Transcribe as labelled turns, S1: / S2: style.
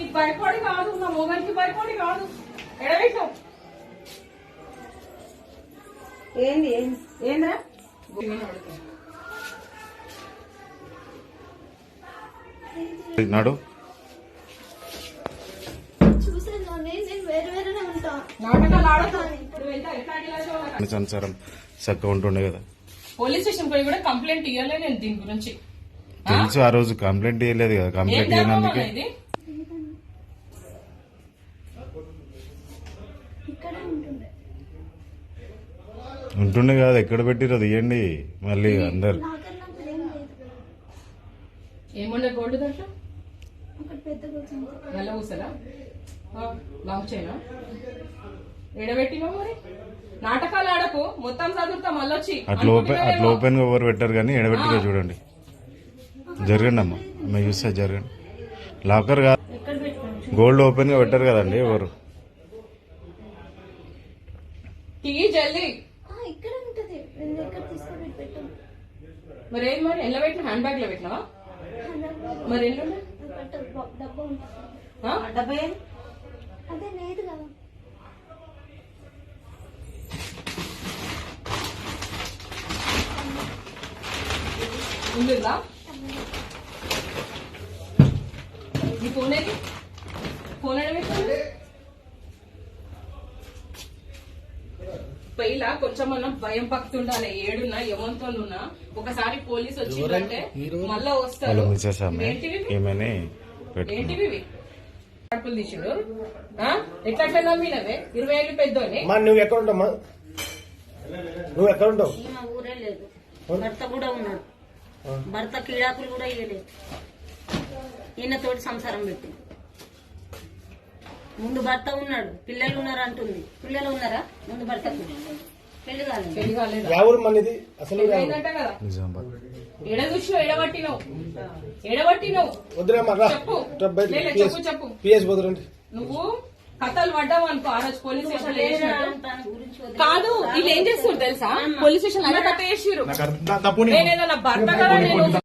S1: నీకు భయపడి కాదు, నా మొగనికి భయపడి కాదు. ఎడవేసావు
S2: ఏంది ఏంద్రా
S3: నాడు సంసారం చక్కగా ఉంటుండే కదా.
S1: పోలీస్ స్టేషన్ పోయి కూడా కంప్లైంట్ ఇవ్వలే నేను దీని గురించి.
S3: తెలుసు ఆ రోజు కంప్లైంట్ ఇవ్వలేదు కదా. కంప్లైంట్ ఇవ్వనందుకే ఉంటుండే కదా. ఎక్కడ పెట్టిరో తీయండి మళ్ళీ అందరు.
S1: ఏముండే గోల్డ్ దాంట్లో నల్ల కూసరా లాంగ్ చైనా ఎడబెట్టినా మరి. నాటకాలు ఆడకు, మొత్తం చదువుతా మళ్ళొచ్చి.
S3: అట్లా ఓపెన్ గా ఎవరు పెట్టారు కానీ ఎడబెట్టిగా చూడండి. జరగండి అమ్మా, మేము చూస్తే జరగండి. లాకర్ కాదు, గోల్డ్ ఓపెన్ గా పెట్టారు కదండి ఎవరు.
S1: జల్దీ మరి ఏది మరి ఎలా పెట్టిన? హ్యాండ్ బ్యాగ్ లో పెట్టినావా? మరి ఎల్లు
S2: డబ్బే అదే లేదు కదా.
S1: ఉందా నీ ఫోన్ ఏది? ఫోన్ ఎడబెట్టింది పైలా కొంచెం మనం భయం పక్తుండాలి. ఏడున్నా ఎవరితోనున్నా ఒకసారి పోలీస్ వచ్చిందంటే మళ్ళా వస్తారు. ఏంటివి కడుపులు తీసుడు ఎట్లా నమ్మినవే? 20 ఏళ్ళు పెద్దోనే.
S4: నువ్వు ఎక్కడ ఉంటావు? నువ్వు ఎక్కడ ఉంటావు?
S2: మా ఊరే లేదు, భర్త కూడా ఉన్నాడు. భర్త కీడాకులు కూడా ఇవ్వలేదు. ఈయనతోటి సంసారం పెట్టి ముందు భర్త ఉన్నాడు, పిల్లలు ఉన్నారు అంటుంది. పిల్లలు ఉన్నారా? ముందు భర్తకు పెళ్లి కాలేదు.
S4: ఎవరు మనది అసలు?
S1: ఎడ చూసినావు? ఎడబట్టినావు చెప్పు.
S4: పిఎస్ పోదురండి.
S1: నువ్వు కథలు పడ్డావు అనుకో. ఆ రోజు పోలీస్ స్టేషన్ కాదు, వీళ్ళు ఏం చేస్తారు తెలుసా? పోలీస్ స్టేషన్ అలా కథ చేసిర్రు. నేనేదో నా భర్త కదా నేను